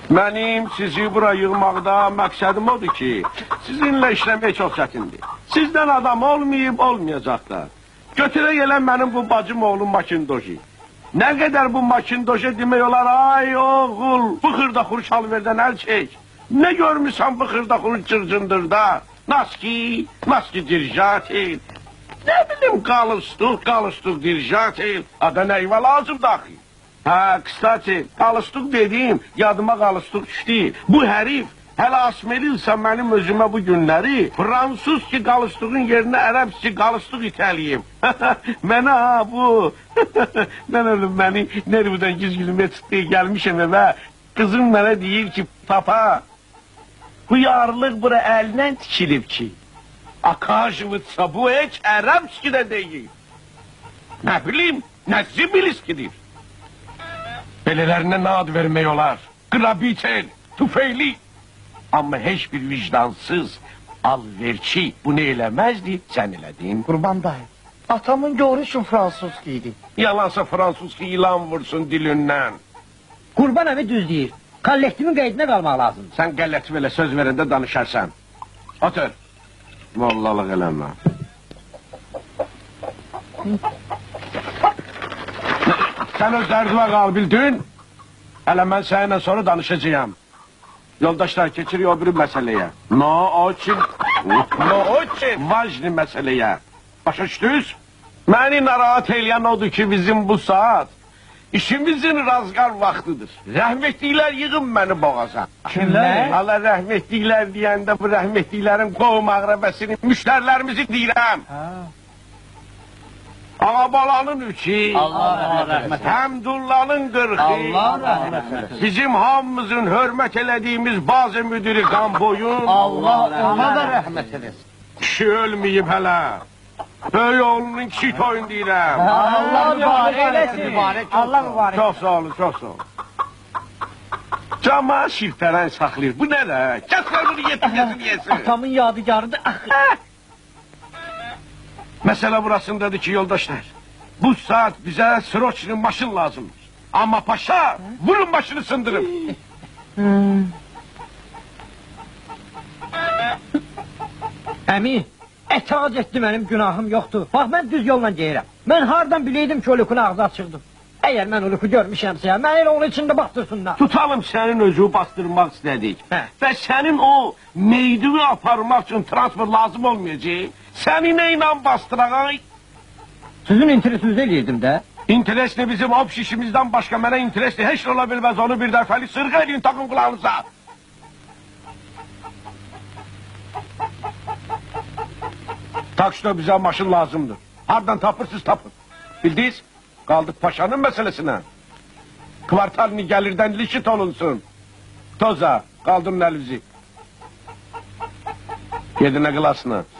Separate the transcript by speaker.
Speaker 1: Mənim sizi bura yığmaqda məqsədim odur ki, sizinlə işləmək çox çətindir. Sizdən adam olmayıb, olmayacaq da. Götürə gələn mənim bu bacım oğlum Makindoji. Nə qədər bu Makindoji demək olar, ay oğul, bu xırda xuruş alverdən əl çək. Ne görmüşsən bu xırda xuruş cırcındırda? Naski dirjatil. Ne bileyim qalıstuk dirjatil. Ada neyve lazım dahi. Ha, kısaçı, qalıstuk dediğim yadıma qalıstuk düşdü. Bu herif hələ asmeliysə mənim özümə bu günləri Fransız ki qalıstukun yerinə Ərəb ki qalıstuk itəliyim. Mənə ha bu. Mən ölüm məni nervdən gizgilime çıktı gelmişim eve. Kızım mənə deyir ki papa. Bu yarlıq bura əlindən tikilib ki. Akajvıtsa bu heç Ərəbski də deyil. Nə bilim, nə zibiliskidir. Belələrinə nə ad vermək olar? Qrabitel, tüfeyli. Amma heç bir vicdansız, alverçi bunu eləməzdi, sən elədin.
Speaker 2: Qurban dayı, atamın görüşün Fransızki idi.
Speaker 1: Yalansa Fransızki ilan vursun dilindən.
Speaker 3: Qurban əmi düz deyir. Kollektivin qeydinə qalmaq lazımdır.
Speaker 1: Sən qəlləti belə söz verəndə danışarsan. Otur. Mollalıq eləmə. Sən öz dərdivə qal bildin. Hələ mən səninlə sonra danışacağım. Yoldaşlar keçirik o biri məsələyə. No için vacni məsələyə. Başa düşdünüz? Məni narahat eləyən odur ki bizim bu saat İşimizin razgar vaktidir. Rəhmətliklər yığın məni boğaza.
Speaker 3: Kimlər?
Speaker 1: Allah rəhmətliklər deyəndə bu rəhmətliklərin qovum ağrəbəsini, müştərilərimizi deyirəm. Ağabalanın üçü,
Speaker 3: Allah rəhmət eləsin.
Speaker 1: Həmdullahın qırxı,
Speaker 3: Allah rəhmət eləsin.
Speaker 1: bizim hamımızın hörmət elədiyimiz bazı müdürü Qamboyun,
Speaker 3: Allah ona da rəhmət eləsin.
Speaker 1: kişi ölməyib hələ. Böyük oğlunun kişi toyun deyirəm.
Speaker 3: Allah mübarək eləsin. Allah mübarək.
Speaker 1: Çox sağ olun, çox sağ olun. Cama şirtərən saxlayır. Bu nə də? Kəslər bunu yesin.
Speaker 3: Atamın yadigarıdır.
Speaker 1: Məsələ burasındadır ki, yoldaşlar. Bu saat bizə Sroçinin maşın lazımdır. Amma paşa, vurun başını sındırın.
Speaker 3: Əmi, etaat etdi mənim günahım yoxdur. Bax, mən düz yolla geyirəm. Mən hardan bileydim ki, Olukun ağzı açıqdır. Əgər mən Oluku görmüşəmsə, mən elə onun içində bastırsınlar.
Speaker 1: Tutalım sənin özü bastırmaq istədik. Və sənin o meydini aparmaq üçün transport lazım olmayacaq. Səni nə ilə bastıraq?
Speaker 3: Sizin interesinizi eləyirdim də.
Speaker 1: İnteresli bizim hop şişimizdən başqa mənə interesli heç ola bilməz onu bir dəfəli sırğa edin takın kulağınıza. Takşda bize maşın lazımdır. Hardan tapırsız tapın. Bildiniz? Kaldık paşanın meselesine. Kvartalini gelirden lişit olunsun. Toza, kaldırın elinizi. Yedine kılasını.